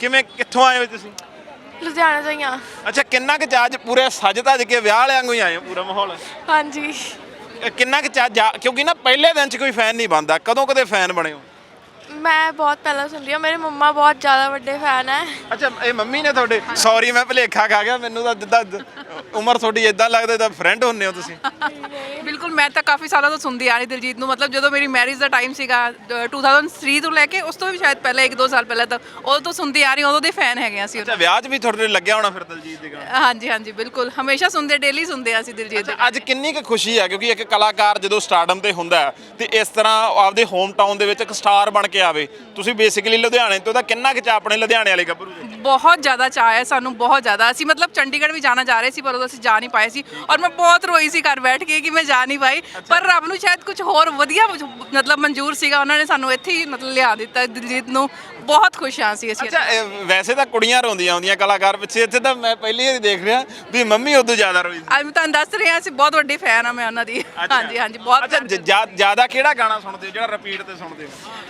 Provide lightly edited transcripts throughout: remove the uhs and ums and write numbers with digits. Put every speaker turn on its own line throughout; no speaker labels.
ਕਿਵੇਂ ਕਿੱਥੋਂ ਆਏ ਹੋ ਤੁਸੀਂ?
ਲੁਧਿਆਣਾ ਤੋਂ ਹੀ ਆ।
ਅੱਛਾ, ਕਿੰਨਾ ਕੁ ਚਾਅ 'ਚ ਪੂਰੇ ਸਜ ਧੱਜ ਕੇ ਵਿਆਹ ਵਾਲਿਆਂ ਵਾਂਗੂ ਹੀ ਆਏ ਹੋ ਪੂਰਾ ਮਾਹੌਲ?
ਹਾਂਜੀ।
ਕਿੰਨਾ ਕੁ ਚਾਅ ਕਿਉਂਕਿ ਨਾ ਪਹਿਲੇ ਦਿਨ 'ਚ ਕੋਈ ਫੈਨ ਨਹੀਂ ਬਣਦਾ, ਕਦੋਂ ਕਦੇ ਫੈਨ ਬਣੇ ਹੋ?
ਮੈਂ ਬਹੁਤ ਪਹਿਲਾਂ ਸੁਣਦੀ ਹਾਂ, ਮੇਰੇ ਮੰਮਾ ਬਹੁਤ ਜ਼ਿਆਦਾ ਵੱਡੇ ਫੈਨ ਹੈ।
ਅੱਛਾ, ਇਹ ਮੰਮੀ ਨੇ ਤੁਹਾਡੇ? ਸੌਰੀ ਮੈਂ ਭੁਲੇਖਾ ਖਾ ਗਿਆ, ਮੈਨੂੰ ਤਾਂ ਜਿੱਦਾਂ ਉਮਰ ਤੁਹਾਡੀ ਇਦਾਂ ਲੱਗਦਾ ਤਾਂ ਫਰੈਂਡ ਹੁੰਨੇ ਹੋ ਤੁਸੀਂ।
ਬਿਲਕੁਲ, ਮੈਂ ਤਾਂ ਕਾਫੀ ਸਾਲਾਂ ਤੋਂ ਸੁਣਦੀ ਆ ਰਹੀ ਦਿਲਜੀਤ ਨੂੰ। ਮਤਲਬ ਜਦੋਂ ਮੇਰੀ ਮੈਰਿਜ ਦਾ ਟਾਈਮ ਸੀਗਾ 2003 ਤੋਂ ਲੈ ਕੇ ਉਸ ਤੋਂ ਵੀ ਸ਼ਾਇਦ ਪਹਿਲਾਂ 1-2 ਸਾਲ ਪਹਿਲਾਂ ਤੱਕ, ਉਦੋਂ ਤੋਂ ਸੁਣਦੀ ਆ ਰਹੀ, ਉਦੋਂ ਦੇ ਫੈਨ ਹੈਗੇ ਅਸੀਂ।
ਅੱਛਾ, ਵਿਆਹ 'ਚ ਵੀ ਤੁਹਾਡੇ ਲੱਗਿਆ ਹੋਣਾ ਫਿਰ ਦਿਲਜੀਤ ਦੇ ਗਾਣੇ?
ਹਾਂਜੀ ਹਾਂਜੀ ਬਿਲਕੁਲ, ਹਮੇਸ਼ਾ ਸੁਣਦੇ, ਡੇਲੀ ਸੁਣਦੇ ਆ ਅਸੀਂ ਦਿਲਜੀਤ ਦੇ।
ਅੱਜ ਕਿੰਨੀ ਕੁ ਖੁਸ਼ੀ ਹੈ ਕਿਉਂਕਿ ਇੱਕ ਕਲਾਕਾਰ ਜਦੋਂ ਸਟਾਰਡਮ ਤੇ ਹੁੰਦਾ ਹੈ ਤੇ ਇਸ ਤਰ੍ਹਾਂ ਆਪਦੇ ਹੋਮ ਟਾਊਨ ਦੇ ਵਿੱਚ ਇੱਕ ਸਟਾਰ ਬਣ ਕੇ ਆਵੇ, ਤੁਸੀਂ ਬੇਸਿਕਲੀ ਲੁਧਿਆਣੇ ਤੋਂ, ਤਾਂ ਕਿੰਨਾ ਕੁ ਚਾਅ ਆਪਣੇ ਲੁਧਿਆਣੇ ਵਾਲੇ ਗੱਭਰੂ ਦੇ?
ਬਹੁਤ ਜ਼ਿਆਦਾ ਚਾਅ ਹੈ ਸਾਨੂੰ, ਬਹੁਤ ਜ਼ਿਆਦਾ। ਅਸੀਂ ਮਤਲਬ ਚੰਡੀਗੜ੍ਹ ਵੀ ਜਾਣਾ ਚਾਹ ਰਹੇ ਸੀ ਪਰ ਉਦੋਂ ਅਸੀਂ ਜਾ ਨਹੀਂ ਪਾਏ ਸੀ, ਔਰ ਮੈਂ ਬਹੁਤ ਰੋਈ ਸੀ ਘਰ ਬੈਠ ਕੇ ਕਿ ਮੈਂ ਜਾ ਨਹੀਂ ਪਾਈ। ਪਰ ਰੱਬ ਨੂੰ ਸ਼ਾਇਦ ਕੁਝ ਹੋਰ ਵਧੀਆ ਮਤਲਬ ਮਨਜ਼ੂਰ ਸੀਗਾ, ਉਹਨਾਂ ਨੇ ਸਾਨੂੰ ਇੱਥੇ ਹੀ ਮਤਲਬ ਲਿਆ ਦਿੱਤਾ ਦਿਲਜੀਤ ਨੂੰ। ਬਹੁਤ ਖੁਸ਼ ਹਾਂ ਅਸੀਂ।
ਅੱਛਾ, ਵੈਸੇ ਤਾਂ ਕੁੜੀਆਂ ਰੋਂਦੀਆਂ ਆਉਂਦੀਆਂ ਕਲਾਕਾਰ ਪਿੱਛੇ, ਇੱਥੇ ਤਾਂ ਮੈਂ ਪਹਿਲੀ ਵਾਰੀ ਦੇਖ ਰਿਹਾ ਵੀ ਮੰਮੀ ਉਦੋਂ ਜ਼ਿਆਦਾ ਰੋਈ ਸੀ।
ਅੱਜ ਮੈਂ ਤੁਹਾਨੂੰ ਦੱਸ ਰਹੀ ਹਾਂ, ਅਸੀਂ ਬਹੁਤ ਵੱਡੀ ਫੈਨ ਆ ਮੈਂ ਉਹਨਾਂ ਦੀ। ਹਾਂਜੀ ਹਾਂਜੀ, ਬਹੁਤ।
ਅੱਛਾ, ਜ਼ਿਆਦਾ ਕਿਹੜਾ ਗਾਣਾ ਸੁਣਦੇ ਹੋ ਜਿਹੜਾ ਰਿਪੀਟ ਤੇ ਸੁਣਦੇ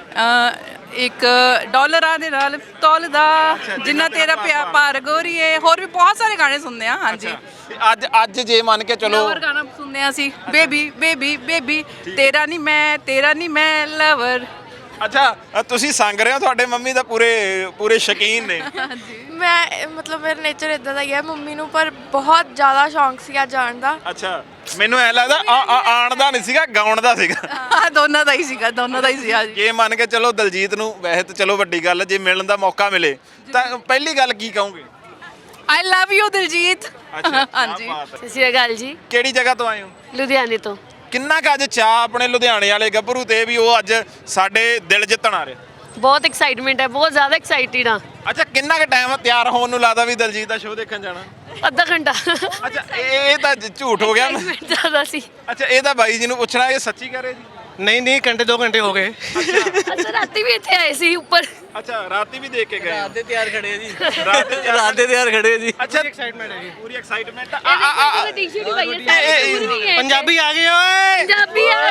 ਹੋ?
ਇੱਕ ਡਾਲਰਾਂ ਦੇ ਨਾਲ ਤੋਲਦਾ, ਜਿੰਨਾ ਤੇਰਾ ਪਿਆਰ ਭਾਰ ਗੋਰੀਏ, ਹੋਰ ਵੀ ਬਹੁਤ ਸਾਰੇ ਗਾਣੇ ਸੁਣਦੇ ਆ। ਹਾਂਜੀ,
ਅੱਜ ਜੇ ਮੰਨ ਕੇ ਚਲੋ
ਲਵਰ ਗਾਣਾ ਸੁਣਦੇ ਆ ਅਸੀਂ, ਬੇਬੀ ਬੇਬੀ ਬੇਬੀ, ਤੇਰਾ ਨਹੀਂ ਮੈਂ ਲਵਰ।
ਅੱਛਾ, ਤੁਸੀਂ ਸੰਗ ਰਹੇ ਹੋ, ਤੁਹਾਡੇ ਮੰਮੀ ਤਾਂ ਪੂਰੇ ਸ਼ੌਕੀਨ ਨੇ।
ਮੈਂ ਮਤਲਬ ਮੇਰਾ ਨੇਚਰ ਇਦਾਂ ਦਾ ਹੀ ਹੈ, ਮੰਮੀ ਨੂੰ ਪਰ ਬਹੁਤ ਜ਼ਿਆਦਾ ਸ਼ੌਂਕ ਸੀਗਾ ਜਾਣ ਦਾ।
ਅੱਛਾ, ਮੈਨੂੰ ਐ ਲੱਗਦਾ ਆਣ ਦਾ ਨਹੀਂ ਸੀਗਾ, ਗਾਉਣ ਦਾ ਸੀਗਾ।
ਹਾਂ, ਦੋਨਾਂ ਦਾ ਹੀ ਸੀਗਾ, ਦੋਨਾਂ ਦਾ ਹੀ ਸੀ। ਹਾਂਜੀ,
ਜੇ ਮੰਨ ਕੇ ਚਲੋ ਦਿਲਜੀਤ ਨੂੰ, ਵੈਸੇ ਤਾਂ ਚਲੋ ਵੱਡੀ ਗੱਲ, ਜੇ ਮਿਲਣ ਦਾ ਮੌਕਾ ਮਿਲੇ ਤਾਂ ਪਹਿਲੀ ਗੱਲ ਕੀ ਕਹੋਗੇ?
I love you Diljit. ਹਾਂਜੀ,
ਸਤਿ ਸ਼੍ਰੀ ਅਕਾਲ ਜੀ।
ਕਿਹੜੀ ਜਗ੍ਹਾ ਤੋਂ ਆਏ ਹੋ?
ਲੁਧਿਆਣੇ ਤੋਂ।
ਕਿੰਨਾ ਕੁ ਅੱਜ ਚਾਅ ਆਪਣੇ ਲੁਧਿਆਣੇ ਵਾਲੇ ਗੱਭਰੂ ਤੇ ਵੀ ਉਹ ਅੱਜ ਸਾਡੇ ਦਿਲ ਜਿੱਤਣ ਆ ਰਿਹਾ?
ਬਹੁਤ ਐਕਸਾਈਟਮੈਂਟ ਹੈ, ਬਹੁਤ ਜ਼ਿਆਦਾ ਐਕਸਾਈਟਿਡ ਆ।
ਅੱਛਾ, ਕਿੰਨਾ ਕੁ ਟਾਈਮ ਤਿਆਰ ਹੋਣ ਨੂੰ ਲੱਗਦਾ ਵੀ ਦਿਲਜੀਤ ਦਾ ਸ਼ੋਅ ਦੇਖਣ ਜਾਣਾ?
ਅੱਧਾ ਘੰਟਾ।
ਅੱਛਾ, ਇਹ ਤਾਂ ਝੂਠ ਹੋ ਗਿਆ।
ਜ਼ਿਆਦਾ ਸੀ।
ਅੱਛਾ, ਇਹ ਤਾਂ ਬਾਈ ਜੀ ਨੂੰ ਪੁੱਛਣਾ, ਇਹ ਸੱਚੀ ਕਹਿ ਰਹੇ ਜੀ?
ਨਹੀਂ ਘੰਟੇ 2 ਘੰਟੇ ਹੋ ਗਏ।
ਅੱਛਾ, ਰਾਤੀ ਵੀ ਇੱਥੇ ਆਏ ਸੀ ਉੱਪਰ।
ਅੱਛਾ, ਰਾਤੀ ਵੀ ਦੇਖ ਕੇ ਗਏ?
ਰਾਤ ਦੇ ਤਿਆਰ ਖੜੇ ਆ ਜੀ।
ਰਾਤ
ਦੇ ਤਿਆਰ ਖੜੇ ਆ ਜੀ।
ਅੱਛਾ,
ਐਕਸਾਈਟਮੈਂਟ ਹੈ ਜੀ,
ਪੂਰੀ ਐਕਸਾਈਟਮੈਂਟ।
ਟੀ-ਸ਼ਰਟ ਹੀ ਪਾਈ ਹੈ।
ਪੰਜਾਬੀ ਆ ਗਏ ਓਏ।
ਪੰਜਾਬੀ ਆ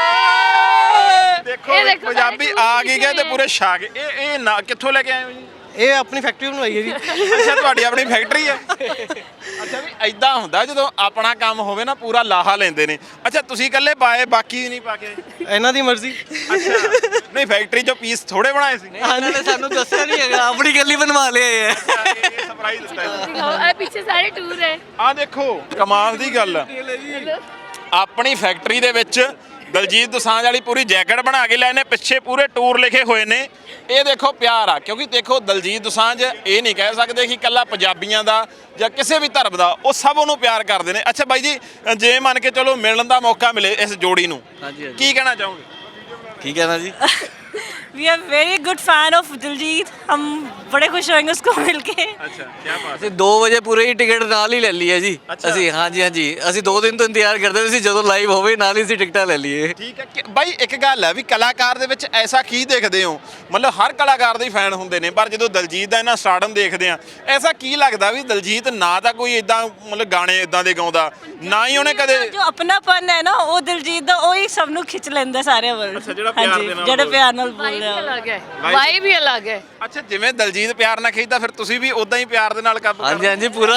ਗਏ।
ਦੇਖੋ ਪੰਜਾਬੀ ਆ ਗਈ ਗਏ ਤੇ ਪੂਰੇ ਛਾ ਗਏ। ਇਹ ਨਾ ਕਿੱਥੋਂ ਲੈ ਕੇ ਆਏ ਹੋ ਜੀ?
ਇਹ ਆਪਣੀ ਫੈਕਟਰੀ ਬਣਵਾਈ ਹੈ ਜੀ।
ਅੱਛਾ, ਤੁਹਾਡੀ ਆਪਣੀ ਫੈਕਟਰੀ ਹੈ? ਅੱਛਾ, ਵੀ ਐਦਾਂ ਹੁੰਦਾ ਜਦੋਂ ਆਪਣਾ ਕੰਮ ਹੋਵੇ ਨਾ, ਪੂਰਾ ਲਾਹਾ ਲੈਂਦੇ ਨੇ। ਅੱਛਾ, ਤੁਸੀਂ ਇਕੱਲੇ ਪਾਏ, ਬਾਕੀ ਨਹੀਂ ਪਾ ਕੇ ਆਏ?
ਇਹਨਾਂ ਦੀ ਮਰਜ਼ੀ।
ਅੱਛਾ, ਨਹੀਂ ਫੈਕਟਰੀ ਚੋਂ ਪੀਸ ਥੋੜੇ ਬਣਾਏ ਸੀ?
ਇਹਨਾਂ ਨੇ ਸਾਨੂੰ ਦੱਸਿਆ ਨਹੀਂ ਹੈਗਾ, ਆਪਣੀ ਗੱਲੀ ਬਣਵਾ ਲਿਆ ਹੈ।
ਇਹ ਸਰਪ੍ਰਾਈਜ਼ ਦਿੱਤਾ।
ਇਹ ਪਿੱਛੇ ਸਾਰੇ ਟੂਰ ਹੈ।
ਆ ਦੇਖੋ, ਕਮਾਲ ਦੀ ਗੱਲ ਆ। ਆਪਣੀ ਫੈਕਟਰੀ ਦੇ ਵਿੱਚ ਦਿਲਜੀਤ ਦੋਸਾਂਝ ਵਾਲੀ ਪੂਰੀ ਜੈਕਟ ਬਣਾ ਕੇ ਲੈ ਨੇ, ਪਿੱਛੇ ਪੂਰੇ ਟੂਰ ਲਿਖੇ ਹੋਏ ਨੇ। ਇਹ ਦੇਖੋ ਪਿਆਰ ਆ, ਕਿਉਂਕਿ ਦੇਖੋ ਦਿਲਜੀਤ ਦੋਸਾਂਝ ਇਹ ਨਹੀਂ ਕਹਿ ਸਕਦੇ ਕਿ ਇਕੱਲਾ ਪੰਜਾਬੀਆਂ ਦਾ ਜਾਂ ਕਿਸੇ ਵੀ ਧਰਮ ਦਾ, ਉਹ ਸਭ ਉਹਨੂੰ ਪਿਆਰ ਕਰਦੇ ਨੇ। ਅੱਛਾ ਬਾਈ ਜੀ, ਜੇ ਮੰਨ ਕੇ ਚਲੋ ਮਿਲਣ ਦਾ ਮੌਕਾ ਮਿਲੇ ਇਸ ਜੋੜੀ ਨੂੰ, ਕੀ ਕਹਿਣਾ ਚਾਹੋਗੇ?
ਕੀ ਕਹਿਣਾ ਜੀ?
We are very good fan of Diljit. हम बड़े खुश होंगे उसको मिलके।
ਅੱਛਾ, ਕੀ ਬਾਤ।
ਅਸੀਂ 2 ਵਜੇ ਪੂਰੇ ਹੀ ਟਿਕਟ ਨਾਲ ਹੀ ਲੈ ਲਈ ਹੈ ਜੀ। ਅਸੀਂ ਹਾਂਜੀ ਅਸੀਂ 2 ਦਿਨ ਤੋਂ ਇੰਤਜ਼ਾਰ ਕਰਦੇ ਸੀ, ਜਦੋਂ ਲਾਈਵ ਹੋਵੇ ਨਾਲ ਹੀ ਅਸੀਂ ਟਿਕਟਾਂ ਲੈ ਲਈਏ।
ਠੀਕ ਹੈ ਬਾਈ, ਇੱਕ ਗੱਲ ਹੈ ਵੀ ਕਲਾਕਾਰ ਦੇ ਵਿੱਚ ਐਸਾ ਕੀ ਦੇਖਦੇ ਹੋ? ਮਤਲਬ ਹਰ ਕਲਾਕਾਰ ਦੇ ਫੈਨ ਹੁੰਦੇ ਨੇ, ਪਰ ਜਦੋਂ ਦਿਲਜੀਤ ਦਾ ਇਹਨਾਂ ਸਟਾਰਡਮ ਦੇਖਦੇ ਆ, ਐਸਾ ਕੀ ਲੱਗਦਾ ਵੀ ਦਿਲਜੀਤ ਨਾ ਤਾਂ ਕੋਈ ਇਦਾਂ ਮਤਲਬ ਗਾਣੇ ਇਦਾਂ ਦੇ ਗਾਉਂਦਾ, ਨਾ ਹੀ ਉਹਨੇ ਕਦੇ
जो अपनापन है ना वो दिलजीत दा वही सब नु खिंच लेंदा सारे वर्ल्ड।
अच्छा, जेड़ा प्यार दे नाल
जेड़ा प्यार नाल बोल रहा
ਅਲੱਗ ਹੈ, ਵਾਈ ਵੀ ਅਲੱਗ ਹੈ।
ਅੱਛਾ, ਜਿਵੇਂ ਦਿਲਜੀਤ ਪਿਆਰ ਨਾਲ ਖਿੱਚਦਾ, ਫਿਰ ਤੁਸੀਂ ਵੀ ਉਦਾਂ ਹੀ ਪਿਆਰ ਦੇ ਨਾਲ ਕਾਬੂ ਕਰਦੇ?
ਹਾਂਜੀ ਪੂਰਾ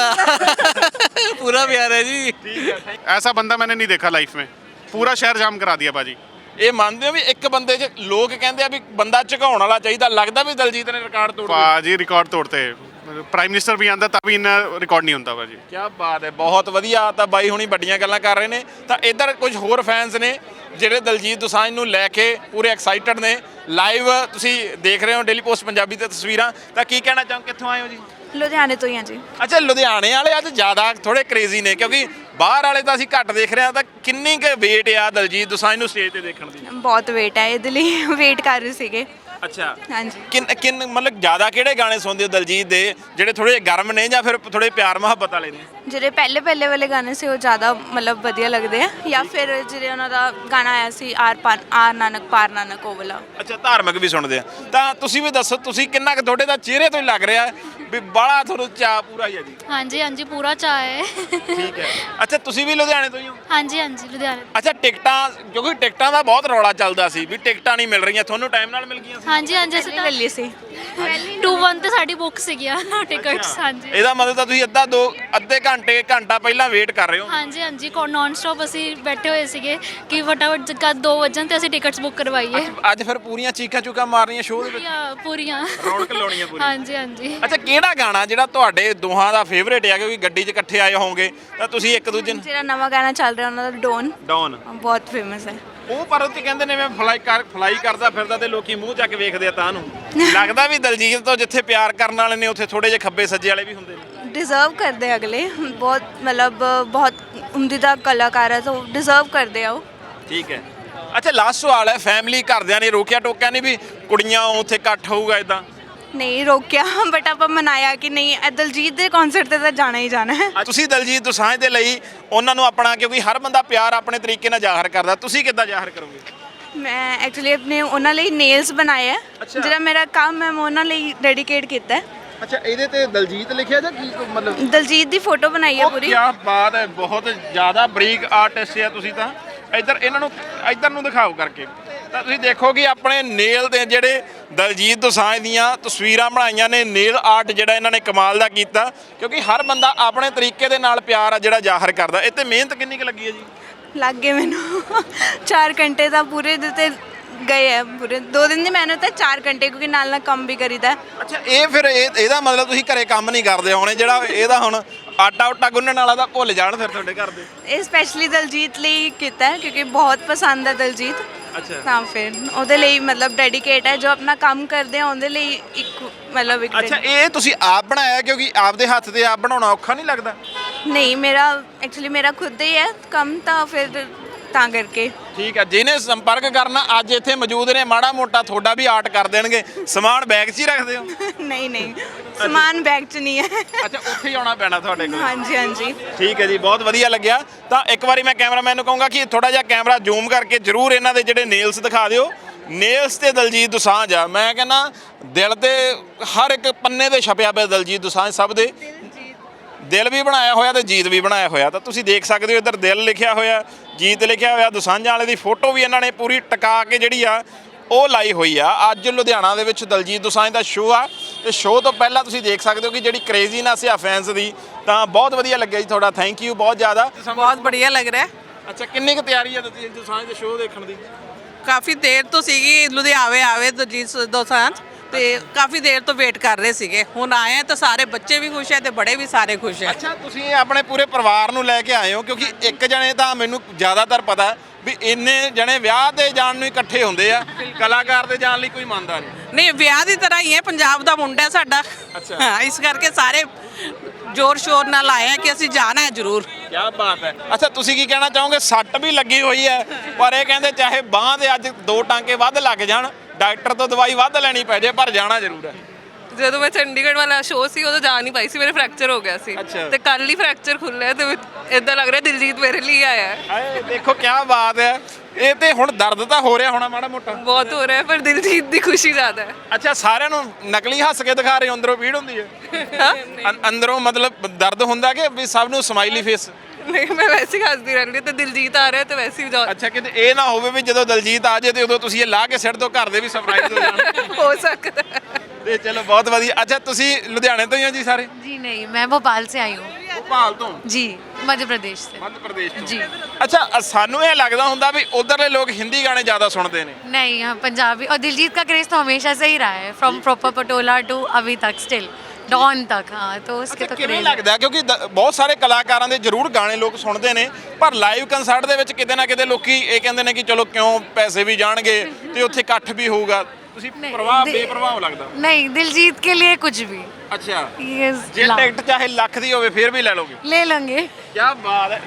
पूरा प्यार है जी।
ਠੀਕ ਹੈ।
ऐसा बंदा मैंने नहीं देखा लाइफ में, पूरा शहर जाम करा दिया बाजी।
ਇਹ ਮੰਨਦੇ ਹੋ ਵੀ ਇੱਕ ਬੰਦੇ 'ਚ ਲੋਕ ਕਹਿੰਦੇ ਆ ਵੀ ਬੰਦਾ ਝੁਕਾਉਣ ਵਾਲਾ ਚਾਹੀਦਾ, ਲੱਗਦਾ ਵੀ ਦਿਲਜੀਤ ਨੇ ਰਿਕਾਰਡ ਤੋੜ ਦਿੱਤਾ?
बाजी रिकॉर्ड तोड़ते प्राइम मिनिस्टर भी आंदा तभी इन्ना रिकॉर्ड नहीं होता बाजी।
ਕੀ ਬਾਤ ਹੈ, ਬਹੁਤ ਵਧੀਆ। ਤਾਂ ਬਾਈ ਹੁਣੀ ਵੱਡੀਆਂ ਗੱਲਾਂ ਕਰ ਰਹੇ ਨੇ। ਤਾਂ ਇੱਧਰ ਕੁਝ ਹੋਰ ਫੈਨਸ ਨੇ ਜਿਹੜੇ ਦਿਲਜੀਤ ਦੋਸਾਂਝ ਨੂੰ ਲੈ ਕੇ ਪੂਰੇ ਐਕਸਾਈਟਡ ਨੇ। ਲਾਈਵ ਤੁਸੀਂ ਦੇਖ ਰਹੇ ਹੋ ਡੇਲੀ ਪੋਸਟ ਪੰਜਾਬੀ ਤੇ ਤਸਵੀਰਾਂ। ਤਾਂ ਕੀ ਕਹਿਣਾ ਚਾਹੋ, ਕਿੱਥੋਂ ਆਏ ਹੋ ਜੀ?
लुधियाने तो ही हैं जी।
ਅੱਛਾ, ਲੁਧਿਆਣੇ ਵਾਲੇ ਅੱਜ ਜ਼ਿਆਦਾ ਥੋੜੇ ਕ੍ਰੇਜ਼ੀ ਨੇ, ਕਿਉਂਕਿ ਬਾਹਰ ਵਾਲੇ ਤਾਂ ਅਸੀਂ ਘੱਟ ਦੇਖ ਰਹੇ ਹਾਂ। ਤਾਂ ਕਿੰਨੀ ਕੁ ਵੇਟ ਆ ਦਿਲਜੀਤ ਦੋਸਾਂਝ ਨੂੰ ਸਟੇਜ ਤੇ ਦੇਖਣ ਦੀ?
बहुत वेट है ਇਹਦੇ ਲਈ ਵੇਟ ਕਰ ਰਹੇ ਸੀਗੇ।
ਅੱਛਾ,
ਹਾਂਜੀ।
ਕਿੰਨ ਮਤਲਬ ਜ਼ਿਆਦਾ ਕਿਹੜੇ ਗਾਣੇ ਸੁਣਦੇ ਹੋ ਦਿਲਜੀਤ ਦੇ, ਜਿਹੜੇ ਥੋੜੇ ਗਰਮ ਨੇ ਜਾਂ ਫਿਰ ਥੋੜੇ ਪਿਆਰ ਮੁਹੱਬਤ ਵਾਲੇ ਨੇ?
ਜਿਹੜੇ ਪਹਿਲੇ ਵਾਲੇ ਗਾਣੇ ਸੀ ਉਹ ਜ਼ਿਆਦਾ ਮਤਲਬ ਵਧੀਆ ਲੱਗਦੇ ਆ, ਜਾਂ ਫਿਰ ਜਿਹੜੇ ਉਹਨਾਂ ਦਾ ਗਾਣਾ ਆਇਆ ਸੀ ਆਰ ਨਾਨਕ ਪਾਰ ਨਾਨਕ, ਉਹ ਵਾਲਾ।
ਅੱਛਾ, ਧਾਰਮਿਕ ਵੀ ਸੁਣਦੇ ਆ। ਤਾਂ ਤੁਸੀਂ ਵੀ ਦੱਸੋ, ਤੁਸੀਂ ਕਿੰਨਾ ਕੁ, ਤੁਹਾਡੇ ਦਾ ਚਿਹਰੇ ਤੋਂ ਹੀ ਲੱਗ ਰਿਹਾ ਵੀ ਬਾਹਲਾ ਤੁਹਾਨੂੰ ਚਾਅ ਪੂਰਾ ਹੀ ਹੈ ਜੀ?
ਹਾਂਜੀ ਪੂਰਾ ਚਾਅ ਹੈ।
ਠੀਕ ਹੈ। ਅੱਛਾ, ਤੁਸੀਂ ਵੀ ਲੁਧਿਆਣੇ ਤੋਂ ਹੀ ਹੋ?
ਹਾਂਜੀ ਲੁਧਿਆਣੇ।
ਅੱਛਾ, ਟਿਕਟਾਂ, ਕਿਉਂਕਿ ਟਿਕਟਾਂ ਦਾ ਬਹੁਤ ਰੌਲਾ ਚੱਲਦਾ ਸੀ ਵੀ ਟਿਕਟਾਂ ਨਹੀਂ ਮਿਲ ਰਹੀਆਂ, ਤੁਹਾਨੂੰ ਟਾਈਮ ਨਾਲ ਮਿਲ ਗਈਆਂ ਸੀ?
ਹਾਂਜੀ ਹਾਂਜੀ ਅਸੀਂ
ਲੈ ਲਈ ਸੀ
2-1 ਤੇ ਸਾਡੀ ਬੁੱਕ ਸੀਗੀਆਂ ਟਿਕਟਸ ਹਾਂਜੀ
ਇਹਦਾ ਮਤਲਬ ਤਾਂ ਤੁਸੀਂ ਅੱਧੇ ਘੰਟਾ ਪਹਿਲਾਂ ਵੇਟ ਕਰ ਰਹੇ ਹੋ।
ਹਾਂਜੀ ਹਾਂਜੀ ਨਾਨ ਸਟਾਪ ਅਸੀਂ ਬੈਠੇ ਹੋਏ ਸੀਗੇ ਕਿ ਫਟਾਫਟ ਕਦ 2 ਵਜਣ ਤੇ ਅਸੀਂ ਟਿਕਟਸ ਬੁੱਕ ਕਰਵਾਈਏ।
ਅੱਜ ਫਿਰ ਪੂਰੀਆਂ ਚੀਕਾਂ ਚੂਕਾਂ ਮਾਰਨੀਆਂ ਸ਼ੋਅ ਦੇ ਵਿੱਚ,
ਪੂਰੀਆਂ
ਰੌਣਕ ਲਾਉਣੀ ਆ ਪੂਰੀ।
ਹਾਂਜੀ ਹਾਂਜੀ
ਅੱਛਾ, ਕਿਹੜਾ ਗਾਣਾ ਜਿਹੜਾ ਤੁਹਾਡੇ ਦੋਹਾਂ ਦਾ ਫੇਵਰੇਟ ਹੈ? ਕਿਉਂਕਿ ਗੱਡੀ 'ਚ ਇਕੱਠੇ ਆਏ ਹੋਵੋਗੇ ਤਾਂ ਤੁਸੀਂ ਇੱਕ ਦੂਜੇ ਨੂੰ
ਜਿਹੜਾ ਨਵਾਂ ਗਾਣਾ ਚੱਲ ਰਿਹਾ ਉਹਨਾਂ ਦਾ ਡੋਨ
ਡਾਊਨ
ਬਹੁਤ ਫੇਮਸ ਹੈ।
ਉਹ ਪਰ ਉਹ ਤੇ ਕਹਿੰਦੇ ਨੇ ਮੈਂ ਫਲਾਈ ਕਰਦਾ ਫਿਰਦਾ ਤੇ ਲੋਕੀ ਮੂੰਹ ਚੱਕ ਵੇਖਦੇ ਆ ਤਾਂ ਨੂੰ ਲੱਗਦਾ ਵੀ ਦਲਜੀਤ ਤੋਂ ਜਿੱਥੇ ਪਿਆਰ ਕਰਨ ਵਾਲੇ ਨੇ ਉੱਥੇ ਥੋੜੇ ਜਿਹੇ ਖੱਬੇ ਸੱਜੇ ਵਾਲੇ ਵੀ ਹੁੰਦੇ ਨੇ।
डिजर्व करते हैं अगले बहुत मतलब बहुत उम्दा कलाकार है तो डिजर्व करते हैं वो।
ਠੀਕ ਹੈ। ਅੱਛਾ, ਲਾਸਟ ਸਵਾਲ ਹੈ, ਫੈਮਿਲੀ ਘਰਦਿਆਂ ਨੇ ਰੋਕਿਆ ਟੋਕਿਆ ਨਹੀਂ ਵੀ ਕੁੜੀਆਂ ਉੱਥੇ ਇਕੱਠ ਹੋਊਗਾ ਇਦਾਂ?
नहीं रोकिया बट आप मनाया कि नहीं दलजीत के कॉन्सर्ट ते तो जाना ही जाना है।
ਤੁਸੀਂ ਦਲਜੀਤ ਦੋਸਾਂਝ ਦੇ ਲਈ ਉਹਨਾਂ ਨੂੰ ਆਪਣਾ, ਕਿਉਂਕਿ ਹਰ ਬੰਦਾ ਪਿਆਰ ਆਪਣੇ ਤਰੀਕੇ ਨਾਲ ਜ਼ਾਹਰ ਕਰਦਾ, ਤੁਸੀਂ ਕਿੱਦਾਂ ਜ਼ਾਹਰ ਕਰੋਗੇ?
मैं एक्चुअली अपने ਉਹਨਾਂ ਲਈ ਨੇਲਸ ਬਣਾਏ ਹੈ
ਅੱਛਾ।
ਜਿਹੜਾ ਮੇਰਾ ਕੰਮ ਹੈ ਮੈਂ ਉਹਨਾਂ ਲਈ ਡੈਡੀਕੇਟ ਕੀਤਾ ਹੈ।
ਅੱਛਾ, ਇਹਦੇ ਤੇ ਦਲਜੀਤ ਲਿਖਿਆ ਜਾਂ ਕੀ ਮਤਲਬ?
ਦਲਜੀਤ ਦੀ ਫੋਟੋ ਬਣਾਈ ਹੈ ਪੂਰੀ।
ਕੀ ਬਾਤ ਹੈ, ਬਹੁਤ ਜ਼ਿਆਦਾ ਬਰੀਕ ਆਰਟਿਸਟ ਆ ਤੁਸੀਂ ਤਾਂ। ਇੱਧਰ ਨੂੰ ਦਿਖਾਓ ਕਰਕੇ ਤਾਂ ਤੁਸੀਂ ਦੇਖੋ ਕਿ ਆਪਣੇ ਨੇਲ ਤੇ ਜਿਹੜੇ ਦਲਜੀਤ ਦੋਸਾਂਝ ਦੀਆਂ ਤਸਵੀਰਾਂ ਬਣਾਈਆਂ ਨੇ, ਨੇਲ ਆਰਟ ਜਿਹੜਾ ਇਹਨਾਂ ਨੇ ਕਮਾਲ ਦਾ ਕੀਤਾ, ਕਿਉਂਕਿ ਹਰ ਬੰਦਾ ਆਪਣੇ ਤਰੀਕੇ ਦੇ ਨਾਲ ਪਿਆਰ ਆ ਜਿਹੜਾ ਜ਼ਾਹਰ ਕਰਦਾ। ਇਹ ਤੇ ਮਿਹਨਤ ਕਿੰਨੀ ਕੁ ਲੱਗੀ ਹੈ ਜੀ?
ਲੱਗ ਗਏ ਮੈਨੂੰ 4 ਘੰਟੇ ਦਾ ਪੂਰੇ ਦਿੱਤੇ ਗਏ ਹੈ, ਪੂਰੇ 2 ਦਿਨ ਦੀ ਮਿਹਨਤ ਹੈ 4 ਘੰਟੇ, ਕਿਉਂਕਿ ਨਾਲ ਨਾਲ ਕੰਮ ਵੀ ਕਰੀਦਾ ਹੈ।
ਅੱਛਾ, ਇਹ ਫਿਰ ਇਹਦਾ ਮਤਲਬ ਤੁਸੀਂ ਘਰੇ ਕੰਮ ਨਹੀਂ ਕਰਦੇ ਹੋਣੇ, ਜਿਹੜਾ ਇਹਦਾ ਹੁਣ ਆਟਾ ਉਟਾ ਗੁੰਨਣ ਵਾਲਾ ਤਾਂ ਭੁੱਲ ਜਾਣ ਫਿਰ ਤੁਹਾਡੇ ਘਰ ਦੇ।
ਇਹ ਸਪੈਸ਼ਲੀ ਦਲਜੀਤ ਲਈ ਕੀਤਾ ਹੈ ਕਿਉਂਕਿ ਬਹੁਤ ਪਸੰਦ ਹੈ ਦਲਜੀਤ।
ਅੱਛਾ,
ਤਾਂ ਫਿਰ ਉਹਦੇ ਲਈ ਮਤਲਬ ਡੈਡੀਕੇਟ ਹੈ, ਜੋ ਆਪਣਾ ਕੰਮ ਕਰਦੇ ਆ ਉਹਦੇ ਲਈ ਇੱਕ ਮਤਲਬ ਇੱਕ
ਅੱਛਾ, ਇਹ ਤੁਸੀਂ ਆਪ ਬਣਾਇਆ? ਕਿਉਂਕਿ ਆਪਦੇ ਹੱਥ ਤੇ ਆਪ ਬਣਾਉਣਾ ਔਖਾ ਨਹੀਂ ਲੱਗਦਾ?
ਨਹੀਂ ਮੇਰਾ ਐਕਚੁਅਲੀ ਮੇਰਾ ਖੁਦ ਹੀ ਹੈ ਕੰਮ, ਤਾਂ ਫਿਰ ਤਾਂ ਕਰਕੇ।
ਠੀਕ ਹੈ, ਜਿਹਨੇ ਸੰਪਰਕ ਕਰਨਾ ਅੱਜ ਇੱਥੇ ਮੌਜੂਦ ਨੇ, ਮਾੜਾ ਮੋਟਾ ਤੁਹਾਡਾ ਵੀ ਆਰਟ ਕਰ ਦੇਣਗੇ। ਸਮਾਨ ਬੈਗ 'ਚ ਹੀ ਰੱਖਦੇ ਹੋ?
ਨਹੀਂ ਨਹੀਂ ਸਮਾਨ ਬੈਗ 'ਚ ਨਹੀਂ ਹੈ।
ਅੱਛਾ, ਉੱਥੇ ਹੀ ਆਉਣਾ ਪੈਣਾ ਤੁਹਾਡੇ ਕੋਲ।
ਹਾਂਜੀ ਹਾਂਜੀ
ਠੀਕ ਹੈ ਜੀ, ਬਹੁਤ ਵਧੀਆ ਲੱਗਿਆ। ਤਾਂ ਇੱਕ ਵਾਰੀ ਮੈਂ ਕੈਮਰਾਮੈਨ ਨੂੰ ਕਹੂੰਗਾ ਕਿ ਥੋੜਾ ਜਿਹਾ ਕੈਮਰਾ ਜ਼ੂਮ ਕਰਕੇ ਜ਼ਰੂਰ ਇਹਨਾਂ ਦੇ ਜਿਹੜੇ ਨੇਲਸ ਦਿਖਾ ਦਿਓ। ਨੇਲਸ ਤੇ ਦਲਜੀਤ ਦੋਸਾਂਝ ਆ, ਮੈਂ ਕਹਿੰਦਾ ਦਿਲ ਤੇ ਹਰ ਇੱਕ ਪੰਨੇ ਤੇ ਛਪਿਆ ਪਿਆ ਦਲਜੀਤ ਦੋਸਾਂਝ, ਸਭ ਦੇ ਦਿਲ ਵੀ ਬਣਾਇਆ ਹੋਇਆ ਤੇ ਜੀਤ ਵੀ ਬਣਾਇਆ ਹੋਇਆ। ਤਾਂ ਤੁਸੀਂ ਦੇਖ ਸਕਦੇ ਹੋ, ਇੱਧਰ ਦਿਲ ਲਿਖਿਆ ਹੋਇਆ, ਜੀਤ ਲਿਖਿਆ ਹੋਇਆ, ਦੋਸਾਂਝਾਂ ਵਾਲੇ ਦੀ ਫੋਟੋ ਵੀ ਇਹਨਾਂ ਨੇ ਪੂਰੀ ਟਿਕਾ ਕੇ ਜਿਹੜੀ ਆ ਉਹ ਲਾਈ ਹੋਈ ਆ। ਅੱਜ ਲੁਧਿਆਣਾ ਦੇ ਵਿੱਚ ਦਲਜੀਤ ਦੋਸਾਂਝ ਦਾ ਸ਼ੋਅ ਆ ਤੇ ਸ਼ੋਅ ਤੋਂ ਪਹਿਲਾਂ ਤੁਸੀਂ ਦੇਖ ਸਕਦੇ ਹੋ ਕਿ ਜਿਹੜੀ ਕ੍ਰੇਜ਼ੀਨੈਸ ਆ ਫੈਨਸ ਦੀ। ਤਾਂ ਬਹੁਤ ਵਧੀਆ ਲੱਗਿਆ ਜੀ ਤੁਹਾਡਾ, ਥੈਂਕ ਯੂ ਬਹੁਤ ਜ਼ਿਆਦਾ।
ਬਹੁਤ ਬੜੀਆ ਲੱਗ ਰਿਹਾ ਹੈ।
ਅੱਛਾ, ਕਿੰਨੀ ਕੁ ਤਿਆਰੀ ਆ ਦਲਜੀਤ ਦੋਸਾਂਝ ਦੇ ਸ਼ੋਅ ਦੇਖਣ ਦੀ?
ਕਾਫੀ ਦੇਰ ਤੋਂ ਸੀਗੀ ਲੁਧਿਆਣੇ ਆਵੇ ਦਲਜੀਤ ਦੋਸਾਂਝ ਤੇ ਕਾਫੀ ਦੇਰ ਤੋਂ ਵੇਟ ਕਰ ਰਹੇ ਸੀਗੇ। ਹੁਣ ਆਏ ਆ ਤਾਂ ਸਾਰੇ ਬੱਚੇ ਵੀ ਖੁਸ਼ ਹੈ ਤੇ ਬੜੇ ਵੀ ਸਾਰੇ ਖੁਸ਼ ਹੈ।
ਅੱਛਾ, ਤੁਸੀਂ ਆਪਣੇ ਪੂਰੇ ਪਰਿਵਾਰ ਨੂੰ ਲੈ ਕੇ ਆਏ ਹੋ? ਕਿਉਂਕਿ ਇੱਕ ਜਣੇ ਤਾਂ ਮੈਨੂੰ ਜ਼ਿਆਦਾਤਰ ਪਤਾ ਵੀ ਇੰਨੇ ਜਣੇ ਵਿਆਹ ਤੇ ਜਾਣ ਨੂੰ ਇਕੱਠੇ ਹੁੰਦੇ ਆ, ਕਲਾਕਾਰ ਦੇ ਜਾਣ ਲਈ ਕੋਈ ਮੰਨਦਾ ਨਹੀਂ।
ਨਹੀਂ, ਵਿਆਹ ਦੀ ਤਰ੍ਹਾਂ ਹੀ ਹੈ, ਪੰਜਾਬ ਦਾ ਮੁੰਡਾ ਹੈ ਸਾਡਾ।
ਅੱਛਾ।
ਹਾਂ, ਇਸ ਕਰਕੇ ਸਾਰੇ ਜ਼ੋਰ ਸ਼ੋਰ ਨਾਲ ਆਏ ਆ ਕਿ ਅਸੀਂ ਜਾਣਾ ਹੈ ਜ਼ਰੂਰ।
ਕੀ ਬਾਤ ਹੈ। ਅੱਛਾ, ਤੁਸੀਂ ਕੀ ਕਹਿਣਾ ਚਾਹੋਗੇ? ਸੱਟ ਵੀ ਲੱਗੀ ਹੋਈ ਹੈ, ਪਰ ਇਹ ਕਹਿੰਦੇ ਚਾਹੇ ਬਾਂਹ ਦੇ ਅੱਜ 2 ਟਾਂਕੇ ਵੱਧ ਲੱਗ ਜਾਣ, ਡਾਕਟਰ ਤੋਂ ਦਵਾਈ ਵੱਧ ਲੈਣੀ ਪੈ ਜੇ, ਪਰ ਜਾਣਾ ਜ਼ਰੂਰ ਹੈ।
ਜਦੋਂ ਮੈਂ ਚੰਡੀਗੜ੍ਹ ਵਾਲਾ ਸ਼ੋਅ ਸੀ ਉਦੋਂ ਜਾ ਨਹੀਂ ਪਾਈ ਸੀ, ਮੇਰੇ ਫ੍ਰੈਕਚਰ ਹੋ ਗਿਆ ਸੀ
ਅੱਛਾ।
ਤੇ ਕੱਲ ਹੀ ਫ੍ਰੈਕਚਰ ਖੁੱਲਿਆ ਤੇ ਇਦਾਂ ਲੱਗ ਰਿਹਾ ਦਿਲਜੀਤ ਮੇਰੇ ਲਈ ਆਇਆ ਹੈ।
ਹਾਏ ਦੇਖੋ ਕੀ ਬਾਤ ਹੈ। ਇਹ ਤੇ ਹੁਣ ਦਰਦ ਤਾਂ ਹੋ ਰਿਹਾ ਹੋਣਾ ਮਾੜਾ ਮੋਟਾ?
ਬਹੁਤ ਹੋ ਰਿਹਾ ਹੈ, ਪਰ ਦਿਲਜੀਤ ਦੀ ਖੁਸ਼ੀ ਜ਼ਿਆਦਾ ਹੈ।
ਅੱਛਾ, ਸਾਰਿਆਂ ਨੂੰ ਨਕਲੀ ਹੱਸ ਕੇ ਦਿਖਾ ਰਹੇ ਹੋ, ਅੰਦਰੋਂ ਪੀੜ ਹੁੰਦੀ ਹੈ? ਅੰਦਰੋਂ ਮਤਲਬ ਦਰਦ ਹੁੰਦਾ ਕਿ ਵੀ ਸਭ ਨੂੰ ਸਮਾਈਲੀ ਫੇਸ?
ਨਹੀਂ, ਮੈਂ ਵੈਸੇ ਹੀ ਹੱਸਦੀ ਰਹਿੰਦੀ ਤੇ ਦਿਲਜੀਤ ਆ ਰਿਹਾ ਤੇ ਵੈਸੇ ਹੀ
ਅੱਛਾ, ਕਿਤੇ ਇਹ ਨਾ ਹੋਵੇ ਵੀ ਜਦੋਂ ਦਲਜੀਤ ਆ ਜਾਏ ਤੇ ਉਦੋਂ ਤੁਸੀਂ ਇਹ ਲਾ ਕੇ ਸਿੱਟ ਦੋ, ਘਰ ਦੇ ਵੀ ਸਰਪ੍ਰਾਈਜ਼ ਹੋ ਜਾਣ।
ਹੋ ਸਕਦਾ ਹੈ।
ਤੇ ਚਲੋ ਬਹੁਤ ਵਧੀਆ। ਅੱਛਾ, ਤੁਸੀਂ ਲੁਧਿਆਣੇ ਤੋਂ ਹੀ ਹੋ ਜੀ ਸਾਰੇ?
जी नहीं, मैं भोपाल से आई हूँ।
ਭੋਪਾਲ ਤੋਂ?
जी, मध्य प्रदेश से।
ਮੱਧ ਪ੍ਰਦੇਸ਼ ਤੋਂ?
जी
ਅੱਛਾ, ਸਾਨੂੰ ਇਹ ਲੱਗਦਾ ਹੁੰਦਾ ਵੀ ਉਧਰਲੇ ਲੋਕ ਹਿੰਦੀ ਗਾਣੇ ਜ਼ਿਆਦਾ ਸੁਣਦੇ ਨੇ।
नहीं, यहाँ पंजाबी और दिलजीत का क्रेज तो हमेशा से ही रहा है, फ्रॉम प्रॉपर पटोला टू अभी तक स्टिल डॉन तक। हाँ, तो उसके
ਅੱਛਾ,
तो
ਕਿਵੇਂ
क्रेज
ਲੱਗਦਾ? ਕਿਉਂਕਿ ਬਹੁਤ ਸਾਰੇ ਕਲਾਕਾਰਾਂ ਦੇ ਜ਼ਰੂਰ ਗਾਣੇ ਲੋਕ ਸੁਣਦੇ ਨੇ, ਪਰ ਲਾਈਵ ਕੰਸਰਟ ਦੇ ਵਿੱਚ ਕਿਤੇ ਨਾ ਕਿਤੇ ਲੋਕੀ ਇਹ ਕਹਿੰਦੇ ਨੇ ਕਿ ਚਲੋ ਕਿਉਂ ਪੈਸੇ ਵੀ ਜਾਣਗੇ ਤੇ ਉੱਥੇ ਇਕੱਠ ਵੀ ਹੋਊਗਾ। ਤੁਸੀਂ
ਨਹੀਂ,
ਬੇਪਰਵਾਹ ਲੱਗਦਾ?
नहीं, दिलजीत के लिए कुछ भी।
ਅੱਛਾ,
He is
ਜੇ
loud।
ਟਿਕਟ ਚਾਹੇ ਲੱਖ ਦੀ ਹੋਵੇ ਫਿਰ ਵੀ ਲੈ ਲੋਗੇ?
ले लेंगे।
ਕੀ ਬਾਤ ਹੈ।